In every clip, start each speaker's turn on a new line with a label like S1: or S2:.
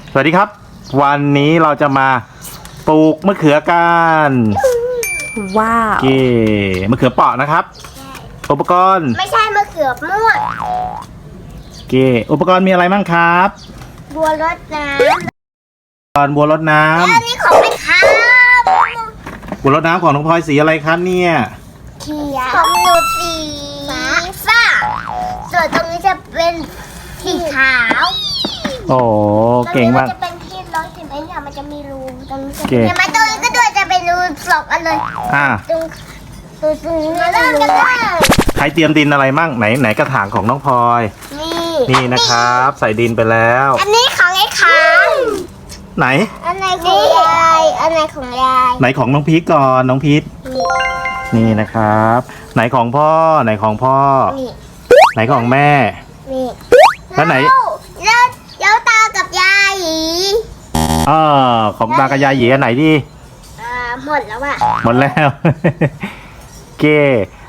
S1: สวัสดีครับวันนี้เราจะมาปลูกมะเขือกัน
S2: ว้าว
S1: เก๋มะเขือเปราะนะครับอุปกรณ์
S3: ไม่ใช่มะเขือม่วง
S1: เก๋อุปกรณ์มีอะไรบ้างครับ
S3: บัวรดน้
S1: ำบัวรดน้
S3: ำแล้วนี่ของไอ้ครับ
S1: บัวรดน้ำของน้องพลอยสีอะไรครับเนี่ย
S3: เขียวของหนูสีฟ้าส่วนตรงนี้จะเป็นสีขาว
S1: โอ้เก่งมาก
S3: จะเป็นที่ร้อยสิบเอ็ดค่ะมันจะมีรูตรงนี้จะเห็นไหมตรงนี้ก็ด้วยจะเป็นรูสองอันเลยตรงนี้เริ่มกันเลย
S1: ใครเตรียมดินอะไรมั่งไหนกระถางของน้องพลอยนี่นะครับใส่ดินไปแล้ว
S3: อันนี้ของไอ้ขาว
S1: ไหน
S3: อันไหนของยายอันไหนของยาย
S1: ไหนของน้องพีทก่อนน้องพีทนี่นะครับไหนของพ่อไหนของพ่อไหนของแม่แล้วไหน
S3: แล้วตากับยาย
S1: ของตากับยายหยีอันไหนดี
S3: หมดแล้วอะ
S1: หมดแล้วเก้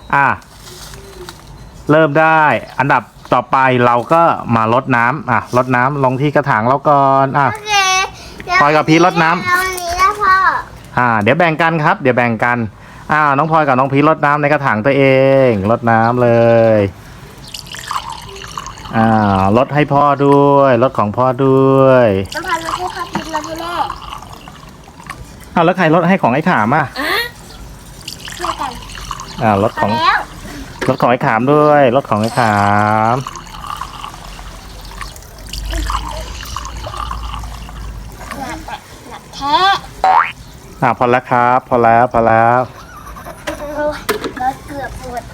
S1: เริ่มได้อันดับต่อไปเราก็มารดน้ำรดน้ำลงที่กระถางเราก่อน
S3: โอเค
S1: พลอยกับพีทรดน้ำ
S3: นี้นะพ่อ
S1: เดี๋ยวแบ่งกันครับเดี๋ยวแบ่งกันน้องพลอยกับน้องพีทรดน้ำในกระถางตัวเองรดน้ำเลยรถให้พ่อด้วยรถของพ่อด้วย
S3: น้ำพันรถให้พ่อพิมพ์รถให้แม่
S1: แล้วใครรถให้ของไอ้ขาม
S3: ช่วยกัน
S1: รถของไอ้ขามด้วยรถของไอ้ขาม
S3: หนักแท้
S1: พอแล้วครับพอแล้ว
S3: รถเกือบปวด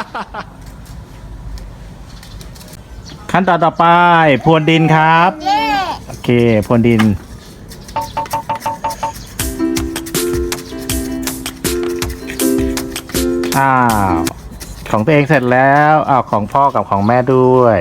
S1: ขั้นตอนต่อไปพรวนดินครับโอเคพรวนดินของตัวเองเสร็จแล้วของพ่อกับของแม่ด้วย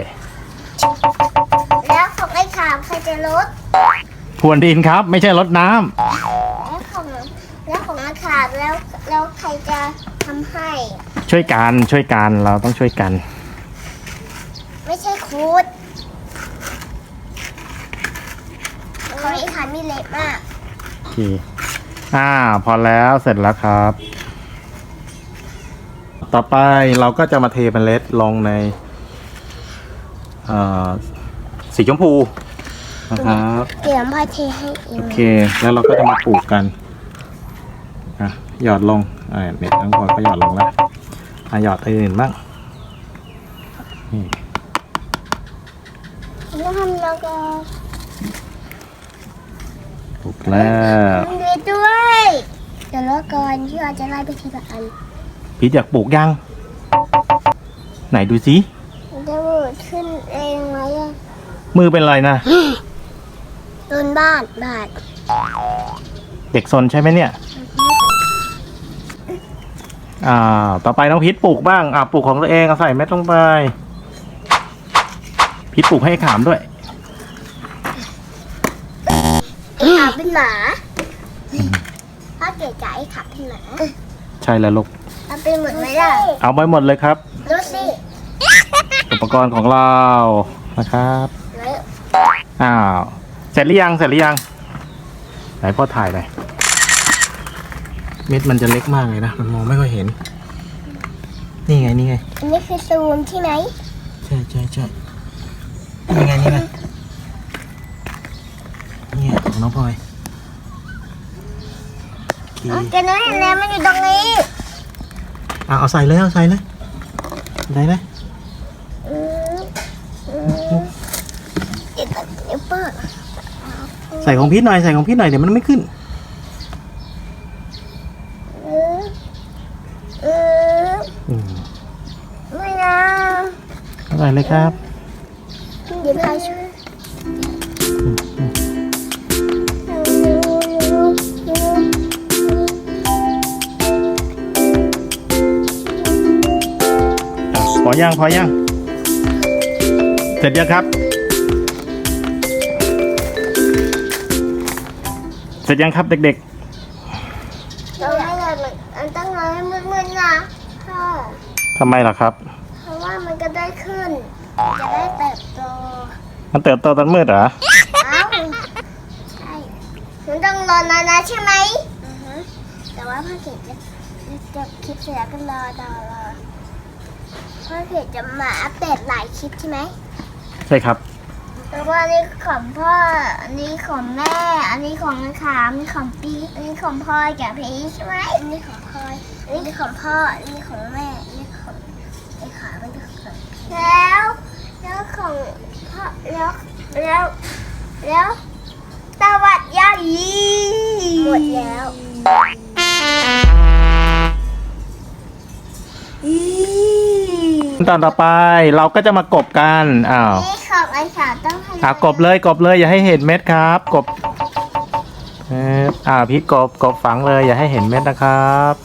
S3: แล้วของไอ้ขามใครจะรด
S1: พรวนดินครับไม่ใช่รดน้
S3: ำแล้วของไอ้ขามแล้วใครจะทำให้
S1: ช่วยกันเราต้องช่วยกัน
S3: ไม่ใช่คูดของไอ้ขามมีเล็กมาก
S1: โอเคพอแล้วเสร็จแล้วครับต่อไปเราก็จะมาเทเมล็ดลงในสีชมพูนะครับ
S3: เดี๋ยวพ่อเทให้เอง
S1: โอเคแล้วเราก็จะมาปลูกกันหยอดลงเนี่ยทั้งหมดก็หยอดลงแล้วหยอดอื่นบ้างนี่
S3: แล้วทำแล้วก็
S1: ปลูกแล้ว
S3: มีด้วยเดี๋ยวรอก่อนที่เราจะไล่ไปทีละอัน
S1: พี่อยากปลูกยังไหนดูสิ
S3: จะมือขึ้นเองไหม
S1: มือเป็นไรนะ
S3: โดนบาด
S1: เด็กซนใช่ไหมเนี่ยต่อไปน้องพีทปลูกบ้างปลูกของตัวเองใส่เม็ดลงไปพีทปลูกให้ขามด้วย
S3: ขาเป็นหมาพ่อเก๋ใจขาเป็นหมา
S1: ใช่แล้วลูก
S3: เอาไปหมดไหมล่ะ
S1: เอาไปหมดเลยครับ
S3: ดูสิ
S1: อุปกรณ์ของเรานะครับเสร็จหรือยังไหนพ่อถ่ายเลยเม็ดมันจะเล็กมากเลยนะมันมองไม่ค่อยเห็นนี่ไง
S3: อันนี้คือซูมใช่ไหม
S1: ใช่นี่ไงนี่ของน้องพลอย
S3: แกน้อยแล้วมันอยู่ตรงนี้
S1: เอาใส่เลยได้ไหมใส่ของพีทหน่อยเดี๋ยวมันไม่ขึ้น
S3: ไม่นะ
S1: ใส่เลยครับ
S3: เดี๋ยวพายช่วย
S1: พอยังเสร็จยังครับเสร็จยังครับเด็ก
S3: ๆต้องให้มันต้องรอให้มืดๆนะพ่อ
S1: ทำไมล่ะครับ
S3: เพราะว่ามันก็ได้ขึ้นจะได้เติบโต
S1: มันเติบโตตอนมืดเหรอ
S3: รอนานนะใช่ไหมแต่ว่าพ่อเขตจะคลิปเสร็จแล้วก็รอพ่อเขตจะมาอัปเดตหลายคลิปใช่ไหม
S1: ใช่ครับ
S3: แต่ว่าอันนี้ของพ่ออันนี้ของแม่อันนี้ของขามอันนี้ของปีอันนี้ของพ่อกับพีใช่ไหมอันนี้ของพ่ออันนี้ของพ่ออันนี้ของแม่อันนี้ของไอ้ขามันของแล้วของพ่อแล้วสวัสดีหมดแล้ว
S1: ตอนต่อไปเราก็จะมากบกันอ้าว
S3: นี่ของไอ้ขาต้องให้
S1: กบเลยอย่าให้เห็นเม็ดครับกบพีทกบฝังเลยอย่าให้เห็นเม็ดนะครับ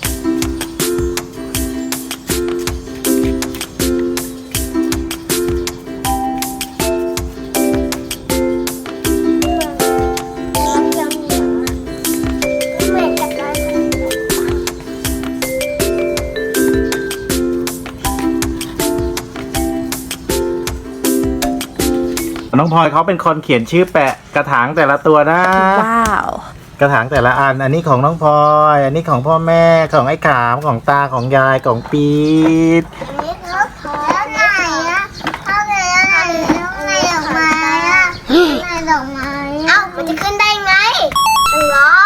S1: น้องพลอยเขาเป็นคนเขียนชื่อแปะกระถางแต่ละตัวนะ
S2: ว้าว
S1: กระถางแต่ละอันนี้ของน้องพลอยอันนี้ของพ่อแม่ของไอ้ขามของตาของยายของปี๊ด
S3: นี่เขาพอไหนอะเอาไหนดอกไม้อะไหนดอกไม้เอ้ามันจะขึ้นได้ไงเหรอ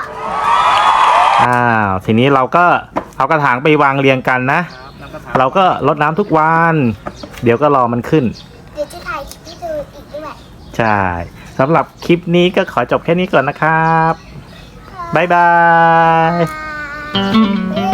S1: ทีนี้เราก็เอากระถางไปวางเรียงกันนะเราก็รดน้ำทุกวันเดี๋ยวก็รอมันขึ้น
S3: เดี๋ยวจะถ่ายคลิปให้ดูอีกด้วย
S1: ใช่สำหรับคลิปนี้ก็ขอจบแค่นี้ก่อนนะครับบ๊ายบาย
S3: บ๊าย